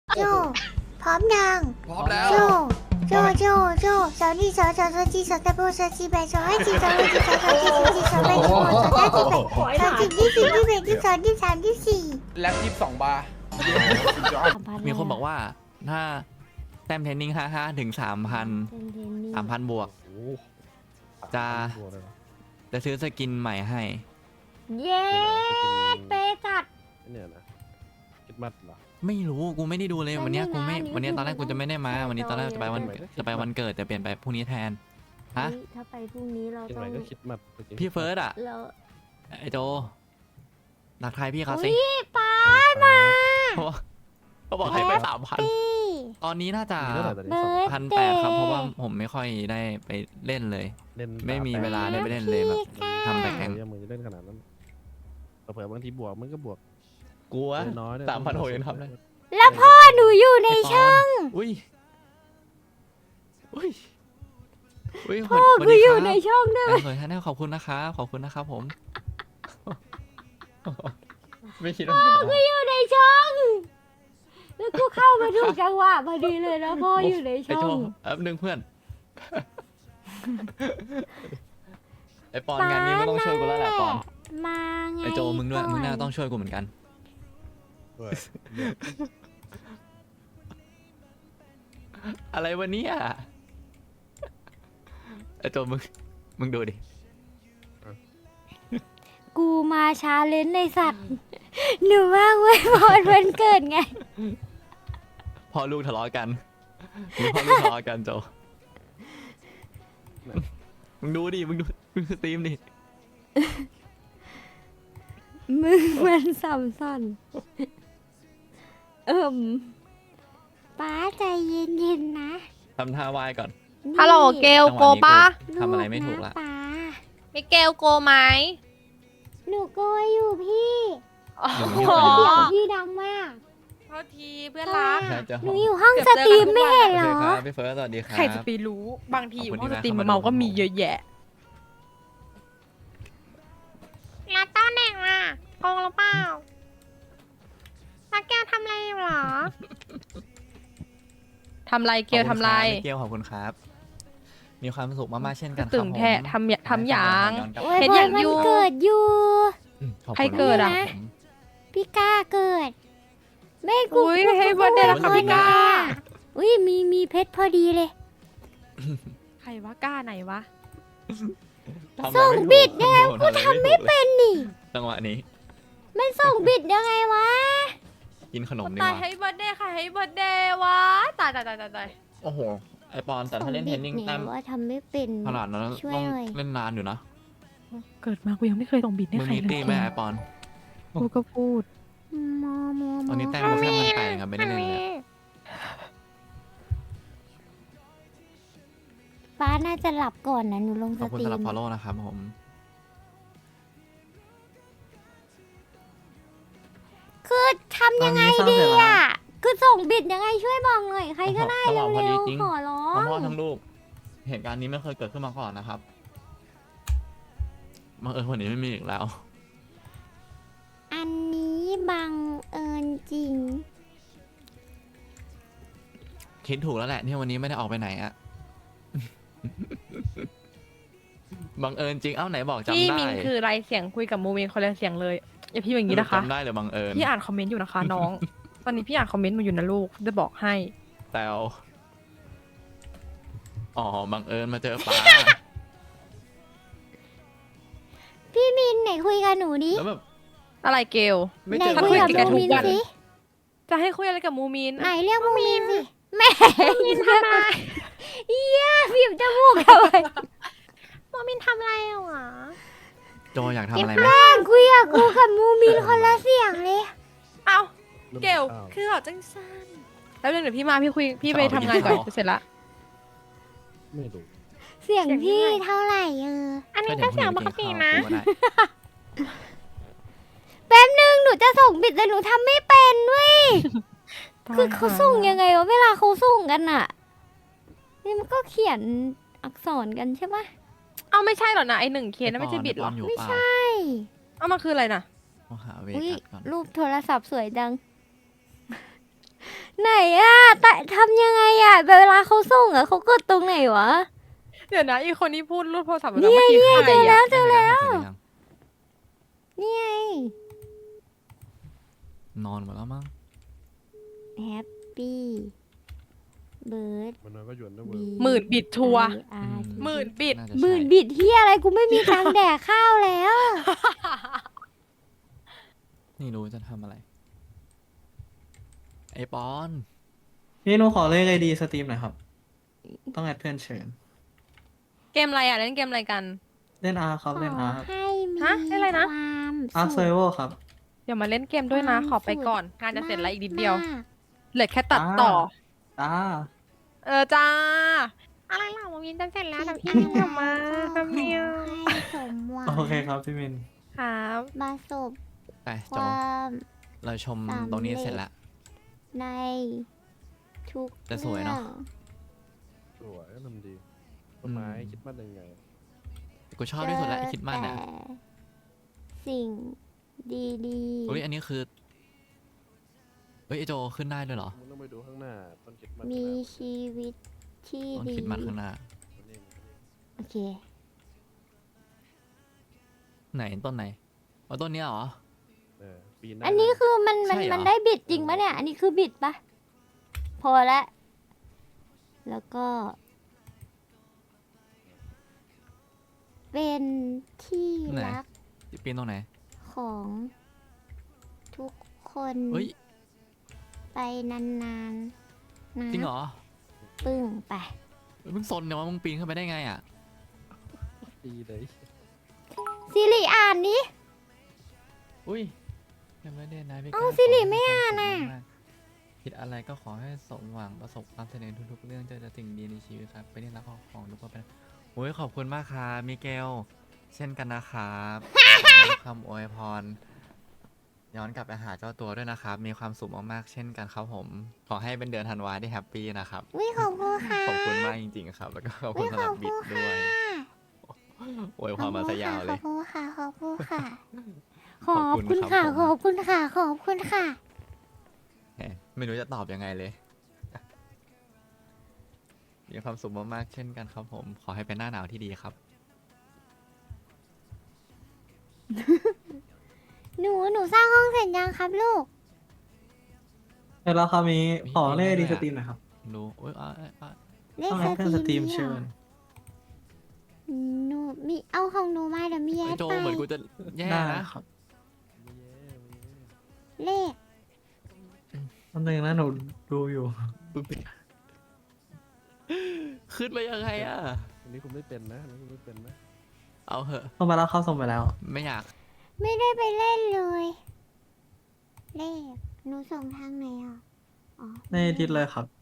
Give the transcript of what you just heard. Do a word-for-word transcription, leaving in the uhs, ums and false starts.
โจพร้อมยังพร้อมแล้วโจโจโจโจสาวนี่สาวสาวสาวจีสาวตะโบสาวจีแบสาวให้จีสาวให้จีสาวสาวจีสาวจีสาวแบสาวสาวจีแบสาวจีที่สี่ที่แบที่สองที่สามที่สี่แล็บยี่สิบสองบาร์มีคนบอกว่าถ้าแต้มเทรนนิ่งห้าห้าถึงสามพันสามพันบวก จะจะซื้อสกินใหม่ให้เย้เปจัดเนี่ยนะคิดมัดเหรอไม่รู้กูไม่ได้ดูเลยวันเนี้ยกูไม่วันนี้นะวันเนี้ยตอนแรกกูจะไม่ได้มา วันนี้ตอนแรกจะไปวันไม่ได้จะไปวันเกิดแต่เปลี่ยนไปพรุ่งนี้แทนฮะถ้าไปพรุ่งนี้เราคิดต้ไหอน งก็คิดมัดพี่เฟิร์สอ่ะเราไอโจนักทายพี่เขาสิอุ้ยป้ามาเขาบอกเขาบอกให้ไปสามพันพี่ตอนนี้น่าจะเท่าไหร่ตอนนี้เบิสองร์ดพันแปดครับเพราะว่าผมไม่ค่อยได้ไปเล่นเลยเล่นไม่มีเวลาได้ไปเล่นเลยแบบทำแต่แข่งยังมือจะเล่นขนาดนั้นเผื่อบางทีบวกมันก็บวกกลัวน้อยสามพันหกยังทำได้แล้วพ่อหนูอยู่ในช่องอุ้ยอุ้ยอุ้ยพ่อสวัสกูดีอคยู่รับในช่องด้วยแอนเคยท่านขอบคุณนะครับขอบคุณนะครับผม ไม่คิดว่ากูอยู่ในช่อง แล้วกูเข้ามาถูกจังหวะพอดีเลยนะพ่ออยู่ในไอ้ช่โจองแป๊บนึงเพื่อน ไอ้ปอนงานนี้ไม่ต้องช่วยกูแล้วแหละปอนมาไงไอ้โจมึงด้วยมึงน่าต้องช่วยกูเหมือนกัน อะไรวันนี้อ่ะไอ้โจมึงมึงดูดิกูมาชาเลนจ์ในสัตว์ หนูว่างไว้พอวันเกิดไงพ่อลูกทะเลาะกันมึงพ่อลูกทะเลาะกันโจมึงดูดิมึงดูมึงสตรีมดิมึงมันสัมสันเอิ่มป้าใจเย็นๆนะทำท่าไหว้ก่อนฮัลโหลเกลโกปะทำอะไรไม่ถูกละป้ามิเกลโกไหมหนูโกยอยู่พี่อ๋อหนูเสียงพี่ดังมากโทษทีเพื่อนรักใช่จะหนูอยู่ห้องสตรีมไม่เห็นโอเหรเคอครับพี่เฟิร์สสวัสดีครับใครจะไปรู้บางทีอยู่ขอบคุณห้องสที่ตรีมแวะเข้ามาเมาก็ดูมีเยอะแยะแล้วต้นเด็กล่ะโกงหรือเปล่าแล้วแกทำอะไรอยู่หรอทำไรเกลทำไรขอบคุณคบพี่เกลขอบคุณครับ มีความสุขมากๆเช่นกันครับตึงแทะผมทำอย่าทำอย่างโอ้ยเห็นพออย่าง มันอยู่เกิดอยู่อืมขอบณใครเกิดอะครับผมพี่ก้าเกิดแม่กูอุ้ยให้เบิร์ดเดย์แล้วค่ะพี่ก้าอุ้ยมีมีเพชรพอดีเลยใครวะก้าไหนวะทำอะไรส่งไม่ถูกบิดยังไงกูทำไม่เป็นนี่จังหวะนี้มันส่งบิดยังไงวะกินขนมดีกตายว่าให้เบิร์ดเดย์ค่ะให้เบิร์ดเดย์วะตายตายตายตายตายโอ้โห ไอปอนแต่ถ้าเล่นเทนนิ่งส่แต้มบิดเนี่ยว่าทำไม่เป็นขนาดนั้นช่วยต้องหน่อยเล่นนานอยู่นะเกิดมากูยังไม่เคยส่งบิดให้มึงใครมีเลตียไหมไอปอนกูก็พูดมอมอมตอนนี้แต้มกูแค่พันแปดครับไม่ได้เล่นเลยอะป้าน่าจะหลับก่อนนะหนูลงขสอบคุณตรีสำหรับมฟอลโล่นะครับผมคือทำยังไงดีอ่ะ คือส่งบิดยังไงช่วยบอกหน่อยใครก็ได้จังหวะพอเร็ดีวจริงๆขอร้อทั้งงพ่อทั้งลูก เหตุการณ์นี้ไม่เคยเกิดขึ้นมาก่อนนะครับบังเอิญวันนี้ไม่มีอีกแล้วอันนี้บังเอิญจริงคิดถูกแล้วแหละที่วันนี้ไม่ได้ออกไปไหนอะ บังเอิญจริง เอ้าไหนบอกจำพี่ได้มินคือไรเสียงคุยกับโมเมนคนละเสียงเลยอย่าพี่อย่างนี้นะคะจำได้หรือบังเอิญพี่อ่านคอมเมนต์อยู่นะคะน้อง ตอนนี้พี่อ่านคอมเมนต์มาอยู่นะลูกจะบอกให้แตวอ๋อ บังเอิญมาเจอป้าพี่มินไหนคุยกับหนูดิแล้วแบบอะไรเกลไม่ไหนเจอคุยกับคุยกับมูมินทุกวันสิจะให้คุยอะไรกับมูมินไหนเรียกมูมินสิแม่มินทำไมเยี่ยบีบจมูกทำไมมูมินทำอะไรอ่ะโจอยากทำอะไรไหมแม่งคุยกับกูกับมูมินคนละเสียงเลยเอ้าเกลคือเหรอจังสั้นแล้วเดี๋ยวพี่มาพี่คุยพี่ไปทำงานก่อนจะเสร็จละไม่รู้เสียงพี่เท่าไหร่เอออันนี้ก็เสียงปกตินะก็ได้แป๊บนึงหนูจะส่งบิดแต่หนูทำไม่เป็นเว้ย คือเขาส่งยังไงวะเวลาเขาส่งกันอะนี่มันก็เขียนอักษรกันใช่ปะเอาไม่ใช่หรอนะไอหนึ่งเคสนั่นไม่ใช่บิดหรอยู่ไม่เปล่าใช่เอามาคืออะไรนะต้องหาเวอุ้ยกัสก่อนรูปโทรศัพท์สวยจังไหนอะแต่ทำยังไงอะเวลาเขาส่งอะเขากดตรงไหนวะเดี๋ยวนะอีกคนที่พูดรูดโทรศัพท์เนี่ยเมื่อกี้เนี่ยใครเจอแล้อะว เจอแล้วเสร็จหรือยังนี่ไงนอนหมดแล้วมั้งแฮปปี้เบิร์ดมันน้อยก็หยวนด้วยเว้บียหมื่นบิดทัวร์อืมหมื่นบิดน่าจะหมื่นใช่บิดที่อะไรกูไม่มีตังค์แดกข้าวแล้วนี่รู้จะทำอะไร ไอปอนพี่หนูขอเลขไอดีสตรีมหน่อยครับ ต้องแอดเพื่อนเชิญเกมอะไรอ่ะเล่นเกมอะไรกันเล่นอาร์ครับขเล่นออาร์ให้มีฮะเล่นอะไรนะความอาร์สุเซขเวอร์ครับเดี๋ยวมาเล่นเกมด้วยนะความขอไปสุขก่อนงานจะเสร็จแล้วอีกนิดเดียวมากเหลือแค่ตัดต่อจ้าเออจ้าอะไรหรอมาวินจะเสร็จแล้วแต่พี่อินกลับมาแป๊บเดียวให้สมหวังโอเคครับพี่มินครับมาสบไปคโจวามเราชมสำเร็จตรงนี้เสร็จแล้วในทุกแต่สวยเนอะรื่องสวยก็ทำดีต้นไม้คิดว่ายังไงกูชอบที่สุดแล้วไอคิดมากเนี่ยเจอแต่สิ่งดีๆอุ้ยอันนี้คือเฮ้ยไอโจขึ้นได้ด้วยเหรอมึงต้องไปดูข้างหน้าต้นคิดมันมีชีวิตที่ต้นดีคิดมันข้างหน้านี่โอเคไหนต้นไหนอ๋อต้นเนี้ยเหรอเออปีหน้าอันนี้คือมันมันใช่เหรอมันได้บิดจริงปะเนี่ย อันนี้คือบิดปะพอละ แล้วก็ เป็นที่ไหนรักปีนตรงไหนของทุกคนเฮ้ยไปนานๆนะจริงเหรอปึ้งไปเฮ้ยมึงซนเนี่ยว่ามึงปีนขึ้นไปได้ไงอ่ะปีเลยสิริอ่านนี้อุ้ยยังไม่ได้นะพี่เอ้าก้วสิริขอให้ไม่อ่านควน่ะสุขมากๆคิดอะไรก็ขอให้สมหวังประสบความสำเร็จทุกๆเรื่องเจอแต่สิ่งดีในชีวิตครับไปนี่รักของทุกคนไปโอ้ยขอบคุณมากครับมิเกล เช่นกันนะครับขอให้คำอวยพร ย้อนกลับไปหาเจ้าตัวด้วยนะครับ มีความสุขมากๆเช่นกันครับผม ขอให้เป็นเดือนธันวาที่แฮปปี้นะครับวิขอบคุณค่ะขอบคุณมากจริงๆครับ แล้วก็ขอบคุวิณขสำหอรับบบิคุดณด้ค่ะวยอวยพรมาซะยาวเลยขอบคุณค่ะ ขอบคุณค่ะ ขขออบบคุคุณณครัค่ะบผมขอบคุณค่ะ ขอบคุณค่ะแหมไม่รู้จะตอบยังไงเลย มีความสุขมากๆเช่นกันครับผม ขอให้เป็นหน้าหนาวที่ดีครับหนู หนูสร้างห้องเสร็จยังครับลูกเดี๋ยวเราครับมีมีขอเลขไอมีดีด้วยสอะตรีมหน่อยครับดูโอ้ยอ่ะอ่ะอ่ะเลขต้องแอดเพื่อนสตรีมนี่เชิหรญอหนูมีเอาของหนูมาเดี๋ยวมีแอไอ้ดโจไปเหมือนกูจะแย่ได้นะครับไม่แย่ไม่แย่เลขตอนนึงนะหนูดูอยู่ปึ๊บขึ้นไปยังไงอ่ะอันนี้คุณไม่เป็นนะอันนี้คุณไม่เป็นนะเอาเหอะส่งไปแล้วครับส่งไปแล้วไม่อยากไม่ได้ไปเล่นเลย เลข หนูส่งทางไหนอ่ะ อ๋อในดิสเลยครับ